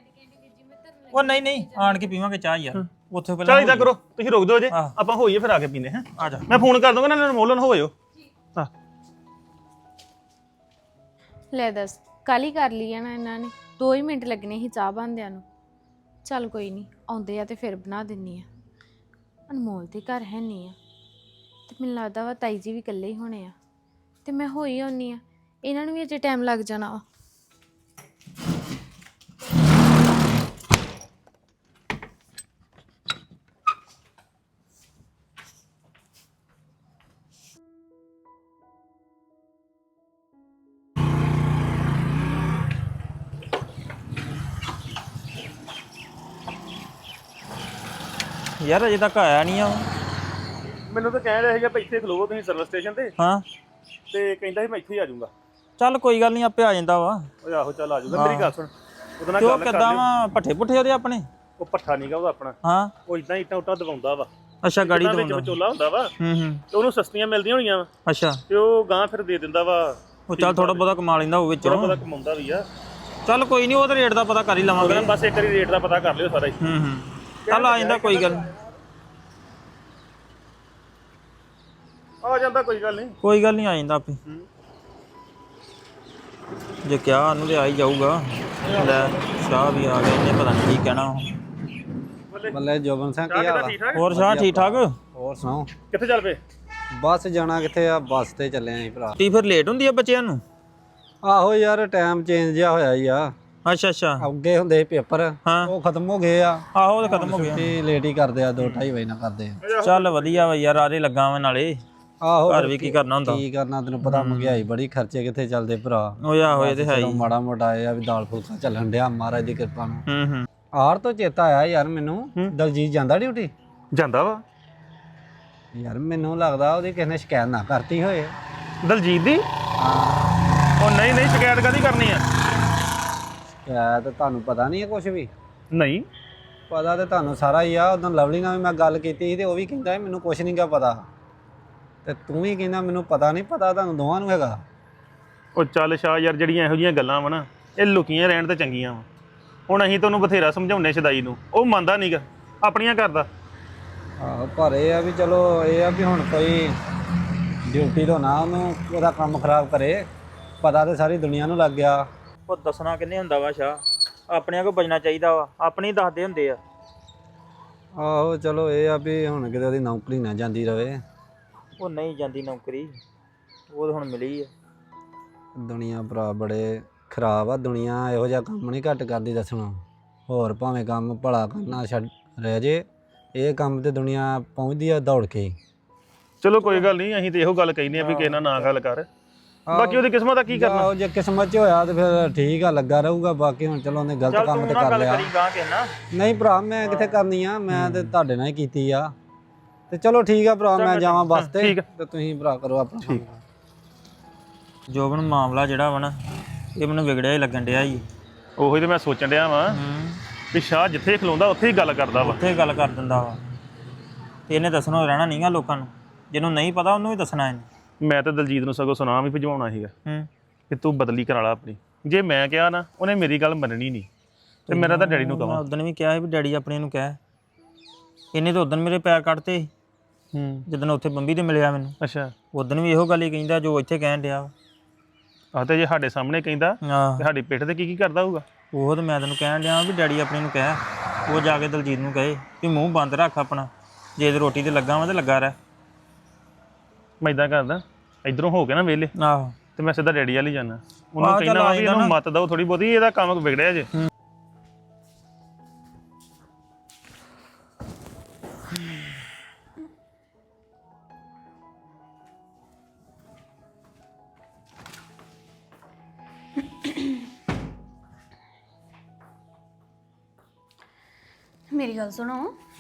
D: ਉਹ ਨਹੀਂ ਆਣ ਕੇ ਪੀਵਾਂਗੇ ਚਾਹ ਯਾਰ, ਉੱਥੇ ਪਹਿਲਾਂ।
A: ਚੱਲ ਇਦਾਂ ਕਰੋ, ਤੁਸੀਂ ਰੁਕ ਦਿਓ ਜੇ, ਆਪਾਂ ਹੋਈਏ ਫਿਰ ਆ ਕੇ ਪੀਨੇ। ਹਾਂ
D: ਆ ਜਾ,
A: ਮੈਂ ਫੋਨ ਕਰ ਦੂੰਗਾ ਨਾ, ਅਨਮੋਲ ਨੂੰ ਹੋਇਓ। ਹਾਂ
F: ਲੈ ਦੱਸ, ਕੱਲ ਹੀ ਕਰ ਲਈ ਆ ਨਾ ਇਹਨਾਂ ਨੇ, 2 ਹੀ ਮਿੰਟ ਲੱਗਣੇ ਸੀ ਚਾਹ ਬਣਦਿਆਂ ਨੂੰ। ਚੱਲ ਕੋਈ ਨਹੀਂ, ਆਉਂਦੇ ਆ ਤੇ ਫਿਰ ਬਣਾ ਦਿੰਨੀ ਆ। ਅਨਮੋਲ ਤੇ ਘਰ ਹੈ ਨਹੀਂ ਆ ਤੇ ਮੈਨੂੰ ਲੱਗਦਾ ਵਾ ਤਾਈ ਜੀ ਵੀ ਇਕੱਲੇ ਹੀ ਹੋਣੇ ਆ ਤੇ ਮੈਂ ਹੋਈ ਆਉਣੀ ਆ। ਇਹਨਾਂ ਨੂੰ ਵੀ ਅਜੇ ਟਾਈਮ ਲੱਗ ਜਾਣਾ ਵਾ।
D: ਯਾਰ ਅਜੇ ਤੱਕ ਆਇਆ ਨਹੀਂ ਆ ਉਹ।
A: ਮੈਨੂੰ ਤਾਂ ਕਹਿ ਰਿਹਾ ਸੀਗਾ ਵੀ ਇੱਥੇ ਖਲੋਵੋ ਤੁਸੀਂ ਸਰਵਿਸ ਸਟੇਸ਼ਨ ਤੇ,
D: ਹਾਂ
A: ਤੇ ਕਹਿੰਦਾ ਸੀ ਮੈਂ ਇੱਥੇ ਹੀ ਆ ਜਾਊਂਗਾ।
D: ਚੱਲ ਕੋਈ ਗੱਲ ਨਹੀਂ, ਆਪੇ ਆ ਜਾਂਦਾ ਵਾ।
A: ਓਏ ਆਹੋ ਚੱਲ ਆ ਜਾਊਗਾ। ਮੇਰੀ ਗੱਲ ਸੁਣ, ਉਹਦੇ ਨਾਲ
D: ਤੇ ਉਹ
A: ਗੱਲ ਕਰ
D: ਕਿੱਦਾਂ
A: ਲਿਓ।
D: ਵਾ, ਪੱਠੇ ਪੁੱਠੇ ਉਹਦੇ ਆਪਣੇ?
A: ਉਹ ਪੱਠਾ ਨੀਗਾ ਉਹਦਾ ਆਪਣਾ,
D: ਹਾਂ
A: ਉਹ ਇਦਾਂ ਇੱਟਾਂ ਉੱਟਾਂ ਦਵਾਉਂਦਾ ਵਾ।
D: ਅੱਛਾ, ਗਾੜੀ
A: ਵਿੱਚ
D: ਦਵਾਉਂਦਾ।
A: ਵਿਚੋਲਾ ਹੁੰਦਾ ਵਾ
D: ਹੂੰ
A: ਤੇ ਉਹਨੂੰ ਸਸਤੀਆਂ ਮਿਲਦੀਆਂ ਹੋਣੀਆਂ ਵਾ,
D: ਅੱਛਾ।
A: ਤੇ ਉਹ ਗਾਂ ਫਿਰ ਦੇ ਦਿੰਦਾ ਵਾ।
D: ਉਹ ਚੱਲ ਥੋੜਾ ਬਹੁਤਾ ਕਮਾ ਲੈਂਦਾ ਉਹ
A: ਥੋੜਾ
D: ਵਿੱਚੋਂ।
A: ਬਹੁਤਾ ਕਮਾਉਂਦਾ ਵੀ ਆ।
D: ਚੱਲ ਕੋਈ ਨਹੀਂ, ਉਹਦਾ ਰੇਟ ਦਾ ਪਤਾ ਕਰ ਹੀ ਲਵਾਂਗੇ।
A: ਬਸ ਇੱਕ ਵਾਰੀ ਰੇਟ ਦਾ ਪਤਾ ਕਰ ਲਿਓ ਸਾਰਾ ਹੀ।
D: ਚੱਲ ਆ ਜਾਂਦਾ, ਕੋਈ ਗੱਲ ਨੀ।
A: ਆ ਜਾਂਦਾ, ਕੋਈ ਗੱਲ ਨਹੀਂ।
D: ਕੋਈ ਗੱਲ ਨਹੀਂ, ਆ ਜਾਂਦਾ ਆਪੇ। ਜੇ ਕਿਹਾ ਉਹਨੂੰ ਤੇ ਆ ਹੀ ਜਾਊਗਾ। ਲੈ ਸ਼ਾਹ ਵੀ ਆ ਗਿਆ, ਇਹਨੇ ਪਤਾ ਨਹੀਂ ਕੀ ਕਹਿਣਾ।
G: ਬੱਲੇ ਜੋਬਨ ਸਿੰਘ ਕੀ ਹਾਲ ਆ?
D: ਹੋਰ ਸ਼ਾਹ ਠੀਕ ਠਾਕ?
G: ਹੋਰ ਸੁਣਾਓ?
A: ਕਿੱਥੇ ਚੱਲ ਪਏ?
G: ਬੱਸ ਜਾਣਾ ਕਿੱਥੇ ਆ, ਬੱਸ ਤੇ ਚੱਲੇ ਆਂ ਭਰਾ।
D: ਟੀ ਫਿਰ ਲੇਟ ਹੁੰਦੀ ਆ ਬੱਚਿਆਂ ਨੂੰ?
G: ਆਹੋ ਯਾਰ, ਟਾਈਮ ਚੇਂਜ ਜਿਹਾ ਹੋਇਆ ਹੀ ਆ।
D: ਅੱਛਾ ਅੱਛਾ।
G: ਅੱਗੇ ਹੁੰਦੇ ਸੀ ਪੇਪਰ,
D: ਹਾਂ।
G: ਉਹ ਖਤਮ ਹੋ ਗਏ ਆ।
D: ਆਹੋ ਉਹ ਤਾਂ ਖਤਮ ਹੋ ਗਿਆ।
G: ਛੁੱਟੀ ਲੇਟ ਹੀ ਕਰਦੇ ਆ, 2-2:30 ਵਜੇ ਨਾਲ ਕਰਦੇ ਆ।
D: ਚੱਲ ਵਧੀਆ ਵਾ ਯਾਰ, ਆਰੇ ਲੱਗਾ ਵਾ ਨਾਲੇ।
G: ਆਹੋ
D: ਘਰ ਵੀ ਕੀ ਕਰਨਾ ਹੁੰਦਾ।
G: ਕੀ ਕਰਨਾ, ਤੈਨੂੰ ਪਤਾ ਮਹਿੰਗਾਈ ਬੜੀ, ਖਰਚੇ ਕਿੱਥੇ ਚੱਲਦੇ ਭਰਾ।
D: ਉਹ ਆ ਹੋਏ ਤੇ ਹੈ ਹੀ।
G: ਮਾੜਾ ਮੋਟਾ ਇਹ ਆ ਵੀ ਦਾਲ ਫੁਲਕਾ ਚੱਲਣ ਡਿਆ ਮਹਾਰਾਜ ਦੀ ਕਿਰਪਾ ਨਾਲ।
D: ਹੂੰ।
G: ਆਰ ਤੋਂ ਚੇਤਾ ਆਇਆ ਯਾਰ ਮੈਨੂੰ, ਦਲਜੀਤ ਜਾਂਦਾ ਡਿਊਟੀ?
A: ਜਾਂਦਾ ਵਾ
G: ਯਾਰ ਮੈਨੂੰ ਲੱਗਦਾ ਉਹਦੀ ਕਿਸੇ ਨੇ ਸ਼ਿਕਾਇਤ ਨਾ ਕਰਤੀ ਹੋਏ।
A: ਦਲਜੀਤ ਦੀ?
G: ਹਾਂ।
A: ਉਹ ਨਹੀਂ ਸ਼ਿਕਾਇਤ ਕਾਹਦੀ ਕਰਨੀ ਆ?
G: ਸ਼ਿਕਾਇਤ ਤੁਹਾਨੂੰ ਪਤਾ ਨਹੀਂ ਹੈ ਕੁਝ ਵੀ?
A: ਨਹੀਂ
G: ਪਤਾ ਤੇ ਤੁਹਾਨੂੰ ਸਾਰਾ ਹੀ ਆ। ਉਦੋਂ ਲਵਲੀ ਨਾਲ ਵੀ ਮੈਂ ਗੱਲ ਕੀਤੀ ਸੀ ਤੇ ਉਹ ਵੀ ਕਹਿੰਦਾ ਮੈਨੂੰ ਕੁਝ ਨਹੀਂ ਗਾ ਪਤਾ, ਤੇ ਤੂੰ ਵੀ ਕਹਿੰਦਾ ਮੈਨੂੰ ਪਤਾ ਨਹੀਂ। ਪਤਾ ਤੁਹਾਨੂੰ ਦੋਵਾਂ ਨੂੰ ਹੈਗਾ।
A: ਉਹ ਚੱਲ ਸ਼ਾਹ ਯਾਰ, ਜਿਹੜੀਆਂ ਇਹੋ ਜਿਹੀਆਂ ਗੱਲਾਂ ਵਾ ਨਾ, ਇਹ ਲੁਕੀਆਂ ਰਹਿਣ ਤੇ ਚੰਗੀਆਂ ਵਾ। ਹੁਣ ਅਸੀਂ ਤੁਹਾਨੂੰ ਬਥੇਰਾ ਸਮਝਾਉਨੇ ਸ਼ਦਾਈ ਨੂੰ, ਉਹ ਮੰਨਦਾ ਨਹੀਂਗਾ, ਆਪਣੀਆਂ ਕਰਦਾ।
G: ਆਹੋ, ਪਰ ਇਹ ਆ ਵੀ ਚਲੋ, ਇਹ ਆ ਵੀ ਹੁਣ ਕੋਈ ਡਿਊਟੀ ਤੋਂ ਨਾ ਉਹਨੂੰ ਉਹਦਾ ਕੰਮ ਖਰਾਬ ਕਰੇ। ਪਤਾ ਤੇ ਸਾਰੀ ਦੁਨੀਆ ਨੂੰ ਲੱਗ ਗਿਆ।
D: ਉਹ ਦੱਸਣਾ ਕਿੰਨੇ ਹੁੰਦਾ ਵਾ ਸ਼ਾਹ, ਆਪਣਿਆਂ ਕੋ ਬਚਣਾ ਚਾਹੀਦਾ ਵਾ, ਆਪਣੇ ਹੀ ਦੱਸਦੇ ਹੁੰਦੇ ਆ।
G: ਆਹੋ ਚਲੋ, ਇਹ ਆ ਵੀ ਹੁਣ ਕਿਤੇ ਉਹਦੀ ਨੌਕਰੀ ਨਾ ਜਾਂਦੀ ਰਵੇ।
D: ਉਹ ਨਹੀਂ ਜਾਂਦੀ ਨੌਕਰੀ, ਉਹ ਤਾਂ ਹੁਣ ਮਿਲੀ ਆ।
G: ਦੁਨੀਆ ਭਰਾ ਬੜੇ ਖਰਾਬ ਆ। ਦੁਨੀਆ ਇਹੋ ਜਿਹਾ ਕੰਮ ਨਹੀਂ ਘੱਟ ਕਰਦੀ ਦੱਸਣਾ। ਹੋਰ ਭਾਵੇਂ ਕੰਮ ਭਲਾ ਕਰਨਾ ਛੱਡ ਰਹਿ ਜੇ, ਇਹ ਕੰਮ ਤੇ ਦੁਨੀਆ ਪਹੁੰਚਦੀ ਆ ਦੌੜ ਕੇ।
A: ਚਲੋ ਕੋਈ ਗੱਲ ਨਹੀਂ, ਅਸੀਂ ਤੇ ਇਹੋ ਗੱਲ ਕਹਿੰਦੇ ਆ ਵੀ ਕਿਸੇ ਨਾਲ ਨਾ ਗੱਲ ਕਰ। ਬਾਕੀ ਉਹਦੀ ਕਿਸਮਤ ਦਾ ਕੀ ਕਰਨਾ।
G: ਆਹੋ, ਜੇ ਕਿਸਮਤ 'ਚ ਹੋਇਆ ਤੇ ਫਿਰ ਠੀਕ ਆ, ਲੱਗਾ ਰਹੂਗਾ। ਬਾਕੀ ਹੁਣ ਚਲੋ ਉਹਨੇ ਗਲਤ ਕੰਮ ਤੇ ਕਰ ਲਿਆ। ਨਹੀਂ ਭਰਾ, ਮੈਂ ਕਿੱਥੇ ਕਰਨੀ ਆ, ਮੈਂ ਤੇ ਤੁਹਾਡੇ ਨਾਲ ਹੀ ਕੀਤੀ ਆ। ਤੇ ਚਲੋ ਠੀਕ ਆ ਭਰਾ, ਮੈਂ ਜਾਵਾਂ ਬੱਸ ਤੇ ਤੇ ਤੁਸੀਂ ਭਰਾ ਕਰੋ ਆਪਣਾ ਕੰਮ।
D: ਜੋਬਨ ਮਾਮਲਾ ਜਿਹੜਾ ਵਾ ਨਾ, ਇਹ ਮੈਨੂੰ ਵਿਗੜਿਆ ਹੀ ਲੱਗਣ ਡਿਆ ਜੀ।
A: ਉਹੀ ਤੇ ਮੈਂ ਸੋਚਣ ਡਿਆ ਵਾਂ ਵੀ ਸ਼ਾਹ ਜਿੱਥੇ ਖਲੋਂਦਾ ਉੱਥੇ ਹੀ ਗੱਲ ਕਰਦਾ ਵਾ।
D: ਉੱਥੇ ਗੱਲ ਕਰ ਦਿੰਦਾ ਵਾ ਤੇ ਇਹਨੇ ਦੱਸਣਾ ਰਹਿਣਾ ਨਹੀਂਗਾ ਲੋਕਾਂ ਨੂੰ। ਜਿਹਨੂੰ ਨਹੀਂ ਪਤਾ ਉਹਨੂੰ ਵੀ ਦੱਸਣਾ ਇਹਨੇ।
A: ਮੈਂ ਤਾਂ ਦਲਜੀਤ ਨੂੰ ਸਗੋਂ ਸੁਣਾ ਵੀ ਭਜਵਾਉਣਾ ਸੀਗਾ ਕਿ ਤੂੰ ਬਦਲੀ ਕਰਾ ਲਾ ਆਪਣੀ। ਜੇ ਮੈਂ ਕਿਹਾ ਨਾ, ਉਹਨੇ ਮੇਰੀ ਗੱਲ ਮੰਨਣੀ ਨਹੀਂ ਤੇ ਮੇਰਾ ਤਾਂ ਡੈਡੀ ਨੂੰ ਕਹਾਂ।
D: ਉਦੋਂ ਵੀ ਕਿਹਾ ਸੀ ਵੀ ਡੈਡੀ ਆਪਣੇ ਨੂੰ ਕਹਿ। ਇਹਨੇ ਤਾਂ ਉਦੋਂ ਮੇਰੇ ਪੈਰ ਕੱਢਤੇ ਜਦੋਂ ਉੱਥੇ ਬੰਬੀ ਤੇ ਮਿਲਿਆ ਮੈਨੂੰ।
A: ਅੱਛਾ,
D: ਉਦੋਂ ਵੀ ਇਹੋ ਗੱਲ ਹੀ ਕਹਿੰਦਾ ਜੋ ਇੱਥੇ ਕਹਿਣ ਡਿਆ।
A: ਆਹ ਤੇ ਜੇ ਸਾਡੇ ਸਾਹਮਣੇ ਕਹਿੰਦਾ
D: ਆਹ
A: ਤੇ ਸਾਡੀ ਪਿੱਠ ਤੇ ਕੀ ਕਰਦਾ ਹੋਊਗਾ।
D: ਉਹ ਤਾਂ ਮੈਂ ਤੈਨੂੰ ਕਹਿਣ ਡਿਆ ਵੀ ਡੈਡੀ ਆਪਣੇ ਨੂੰ ਕਹਿ। ਉਹ ਜਾ ਕੇ ਦਲਜੀਤ ਨੂੰ ਕਹੇ ਵੀ ਮੂੰਹ ਬੰਦ ਰੱਖ ਆਪਣਾ। ਜੇ ਰੋਟੀ ਤੇ ਲੱਗਾ ਵਾ ਤੇ ਲੱਗਾ ਰਹਿ।
A: ਮੈਂ ਇਦਾਂ ਕਰਦਾ, ਇਧਰੋਂ ਹੋ ਕੇ ਨਾ ਵਿਹਲੇ
D: ਆਹੋ
A: ਤੇ ਮੈਂ ਸਿੱਧਾ ਡੈਡੀ ਵੱਲ ਹੀ ਜਾਣਾ। ਉਹਨੂੰ ਕਹਿੰਦਾ ਵੀ ਇਹਨੂੰ ਮੱਤ ਦਓ ਥੋੜੀ ਬਹੁਤੀ, ਇਹਦਾ ਕੰਮ ਵਿਗੜਿਆ ਜੇ।
H: ਮੇਰੀ ਗੱਲ ਸੁਣੋ।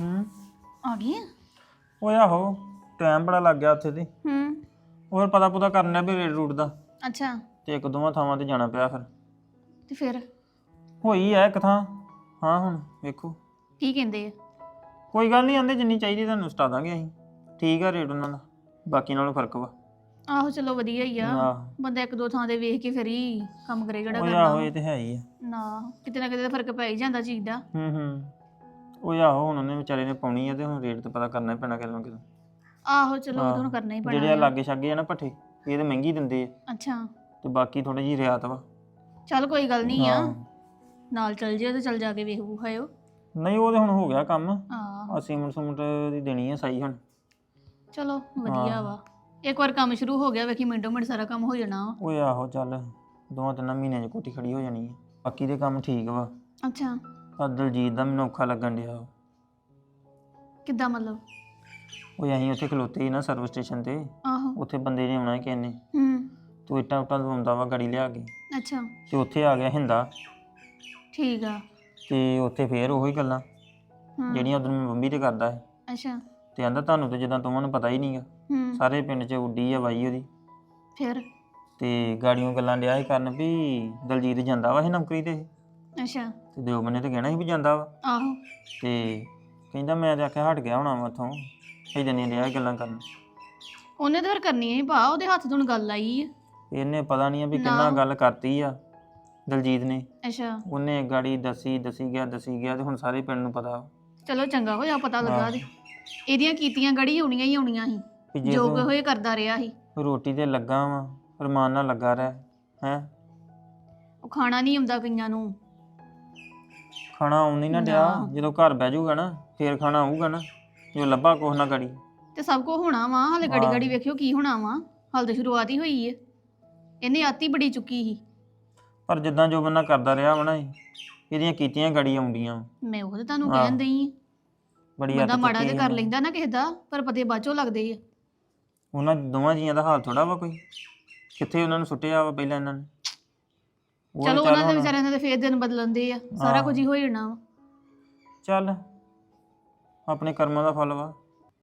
H: ਆ ਗਈ ਆ?
D: ਓਏ ਆਹੋ, ਟਾਈਮ ਬੜਾ ਲੱਗ ਗਿਆ ਉੱਥੇ ਤੇ। ਹੋਰ ਪਤਾ ਪੁਤਾ ਕਰਨਾ ਵੀ ਰੇਡ ਰੂਟ ਦਾ।
H: ਅੱਛਾ।
D: ਤੇ ਇੱਕ ਦੋਵਾਂ ਥਾਵਾਂ ਤੇ ਜਾਣਾ ਪਿਆ ਫਿਰ।
H: ਤੇ ਫਿਰ
D: ਹੋਈ ਐ ਇੱਕ ਥਾਂ। ਹਾਂ ਹੁਣ ਵੇਖੋ
H: ਕੀ ਕਹਿੰਦੇ ਆ?
D: ਕੋਈ ਗੱਲ ਨਹੀਂ, ਆਂਦੇ ਜਿੰਨੀ ਚਾਹੀਦੀ ਤੁਹਾਨੂੰ ਸਟਾ ਦਾਂਗੇ ਅਸੀਂ। ਠੀਕ ਆ ਰੇਟ ਉਹਨਾਂ ਦਾ, ਬਾਕੀ ਨਾਲੋਂ ਫਰਕ ਵਾ।
H: ਆਹੋ ਚਲੋ ਵਧੀਆ ਹੀ ਆ।
D: ਆਹੋ
H: ਬੰਦਾ ਇੱਕ ਦੋ ਥਾਂ ਦੇ ਵੇਖ ਕੇ ਫਿਰ ਹੀ ਕੰਮ ਕਰੇ ਜਿਹੜਾ
D: ਓਏ
H: ਕਰਨਾ।
D: ਆਹੋ ਇਹ ਤੇ ਹੈ ਹੀ ਆ।
H: ਨਾ ਕਿਤੇ ਨਾ ਕਿਤੇ ਤਾਂ ਫਰਕ ਪੈ ਹੀ ਜਾਂਦਾ ਚੀਜ਼ ਦਾ।
D: ਓਏ ਆਹੋ ਹੁਣ ਉਹਨੇ ਵਿਚਾਰੇ ਨੇ ਪਾਉਣੀ ਆ ਤੇ ਹੁਣ ਰੇਟ ਤੇ ਪਤਾ ਕਰਨਾ ਹੀ ਪੈਣਾ ਕਿਤੇ ਨਾ ਕਿਤੇ।
H: ਆਹੋ ਚਲੋ ਉਹ ਤਾਂ ਹੁਣ ਕਰਨਾ ਹੀ ਪੈਣਾ
D: ਜਿਹੜੇ ਆ ਲਾਗੇ ਛਾਗੇ ਆ ਨਾ ਭੱਠੇ, ਇਹ ਤੇ ਮਹਿੰਗੀ ਦਿੰਦੇ ਆ
H: ਅੱਛਾ।
D: ਤੇ ਬਾਕੀ ਥੋੜੀ ਜਿਹੀ ਰਿਆਤ ਵਾ।
H: ਚੱਲ ਕੋਈ ਗੱਲ ਨਹੀਂ ਆ, ਨਾਲ ਚੱਲ ਜਿਓ ਤੇ ਚੱਲ ਜਾ ਕੇ ਵੇਖ ਵੂਖਾਇਓ।
D: ਨਹੀਂ ਉਹ ਤੇ ਹੁਣ ਹੋ ਗਿਆ ਕੰਮ।
H: ਆਹ
D: ਸੀਮੈਂਟ ਸਮੂਟ ਦੀ ਦੇਣੀ ਆ ਸਹੀ ਹੁਣ।
H: ਚਲੋ ਵਧੀਆ ਵਾ। ਇੱਕ ਵਾਰ ਕੰਮ ਸ਼ੁਰੂ ਹੋ ਗਿਆ ਵੇਖੀ ਮਿੰਟੋ ਮਿੰਟ ਸਾਰਾ ਕੰਮ ਹੋ ਜਾਣਾ ਵਾ।
D: ਓਏ ਆਹੋ ਚੱਲ 2-3 ਮਹੀਨਿਆਂ 'ਚ ਕੋਠੀ ਖੜੀ ਹੋ ਜਾਣੀ ਆ। ਬਾਕੀ ਦੇ ਕੰਮ ਠੀਕ ਵਾ।
H: ਅੱਛਾ।
D: ਪਰ ਦਲਜੀਤ ਦਾ ਮੈਨੂੰ ਔਖਾ ਲੱਗਣ ਡਿਆ।
H: ਕਿੱਦਾਂ ਮਤਲਬ?
D: ਓਏ ਅਸੀਂ ਉੱਥੇ ਖਲੋਤੇ ਸੀ ਨਾ ਸਰਵਿਸ ਸਟੇਸ਼ਨ ਤੇ।
H: ਆਹੋ।
D: ਉੱਥੇ ਬੰਦੇ ਨੇ ਆਉਣਾ ਕਿਸੇ ਨੇ। ਤੂੰ ਇੱਟਾਂ ਉੱਟਾਂ ਲਵਾਉਂਦਾ ਵਾ ਗਾੜੀ ਲਿਆ ਕੇ।
H: ਅੱਛਾ।
D: ਤੇ ਉੱਥੇ ਆ ਗਿਆ ਹਿੰਦਾ।
H: ਠੀਕ ਆ।
D: ਤੇ ਉੱਥੇ ਫੇਰ ਉਹੀ ਗੱਲਾਂ ਜਿਹੜੀਆਂ ਉਦੋਂ ਮੈਂ ਬੰਬੀ ਤੇ ਕਰਦਾ ਹੈ।
H: ਅੱਛਾ।
D: ਤੇ ਆਂਦਾ ਤੁਹਾਨੂੰ ਤੇ ਜਿੱਦਾਂ ਤੁਹਾਨੂੰ ਪਤਾ ਹੀ ਨਹੀਂਗਾ, ਸਾਰੇ ਪਿੰਡ 'ਚ ਉੱਡੀ ਆ ਬਾਈ ਉਹਦੀ।
H: ਫਿਰ
D: ਤੇ ਗਾੜੀਆਂ ਗੱਲਾਂ ਡਿਆ ਸੀ ਕਰਨ ਵੀ ਦਲਜੀਤ ਜਾਂਦਾ ਵਾ ਇਹ ਨੌਕਰੀ ਤੇ।
H: ਅੱਛਾ।
D: ਤੇ ਦਿਓ ਬੰਨੇ ਤੇ ਕਹਿਣਾ ਸੀ ਵੀ ਜਾਂਦਾ ਵਾ।
H: ਆਹੋ।
D: ਤੇ ਕਹਿੰਦਾ ਮੈਂ ਤੇ ਆਖਿਆ ਹਟ ਗਿਆ ਹੋਣਾ ਵਾ ਉੱਥੋਂ। ਇਦਾਂ ਨਹੀਂ ਡਿਆ ਗੱਲਾਂ ਕਰਨ।
H: ਉਹਨੇ ਤਾਂ ਫਿਰ ਕਰਨੀ ਹੈ ਭਾ, ਉਹਦੇ ਹੱਥ ਤੋਂ ਹੁਣ ਗੱਲ ਆਈ ਆ।
D: ਇਹਨੇ ਪਤਾ ਨਹੀਂ ਆ ਵੀ ਕਿੰਨਾ ਗੱਲ ਕਰਤੀ ਆ ਦਲਜੀਤ ਨੇ।
H: ਅੱਛਾ।
D: ਉਹਨੇ ਗਾੜੀ ਦੱਸੀ ਗਿਆ ਤੇ ਹੁਣ ਸਾਰੇ ਪਿੰਡ ਨੂੰ ਪਤਾ।
H: ਚਲੋ ਚੰਗਾ ਹੋਇਆ ਪਤਾ ਲੱਗਾ ਤੇ ਇਹਦੀਆਂ ਕੀਤੀਆਂ ਗੜੀ ਆਉਣੀਆਂ ਹੀ ਆਉਣੀਆਂ ਸੀ। ਜੋ ਹੋਏ ਕਰਦਾ ਰਿਹਾ ਸੀ।
D: ਰੋਟੀ ਤੇ ਲੱਗਾ ਵਾ, ਰਮਾਨ ਨਾਲ ਲੱਗਾ ਰਹਿ ਹੈ।
H: ਉਹ ਖਾਣਾ ਨਹੀਂ ਆਉਂਦਾ ਕਈਆਂ ਨੂੰ।
D: ਖਾਣਾ ਆਉਣ ਨਹੀਂ ਨਾ ਡਿਆ। ਜਦੋਂ ਘਰ ਬਹਿ ਜਾਊਗਾ ਨਾ ਫੇਰ ਖਾਣਾ ਆਊਗਾ ਨਾ। ਜੋ ਲੱਭਾ ਕੁਛ ਨਾ ਗਾੜੀ
H: ਤੇ ਸਭ ਕੁਝ ਹੋਣਾ ਵਾ। ਹਾਲੇ ਗੜੀ ਗੜੀ ਵੇਖਿਓ ਕੀ ਹੋਣਾ ਵਾ। ਹਾਲ ਤਾਂ ਸ਼ੁਰੂਆਤ ਹੀ ਹੋਈ ਹੈ। ਇਹਨੇ ਆਤੀ ਬੜੀ ਚੁੱਕੀ ਸੀ।
D: ਪਰ ਜਿੱਦਾਂ ਜੋ ਬੰਦਾ ਕਰਦਾ ਰਿਹਾ ਵਾ ਨਾ, ਇਹਦੀਆਂ ਕੀਤੀਆਂ ਗੜੀ ਆਉਂਦੀਆਂ।
H: ਮੈਂ ਉਹ ਤਾਂ ਤੁਹਾਨੂੰ ਕਹਿਣ ਦਈ ਆ।
D: ਬੜੀ
H: ਬੰਦਾ ਮਾੜਾ ਤੇ ਕਰ ਲੈਂਦਾ ਨਾ ਕਿਸੇ ਦਾ, ਪਰ ਪਤੇ ਬਾਚੋ ਲੱਗਦੇ ਆ।
D: ਉਹਨਾਂ ਦੋਵਾਂ ਜੀਆਂ ਦਾ ਹਾਲ ਥੋੜਾ ਵਾ ਕੋਈ। ਕਿੱਥੇ ਉਹਨਾਂ ਨੂੰ ਸੁੱਟਿਆ ਵਾ ਪਹਿਲਾਂ ਇਹਨਾਂ ਨੇ।
H: ਚਲੋ ਉਹਨਾਂ ਦੇ ਵਿਚਾਰਿਆਂ ਦੇ ਫੇਰ ਦਿਨ ਬਦਲਣਦੇ ਆ। ਸਾਰਾ ਕੁਝ ਹੀ ਹੋ ਜਾਣਾ ਵਾ।
D: ਚੱਲ ਆਪਣੇ ਕਰਮਾਂ ਦਾ ਫਲ ਵਾ।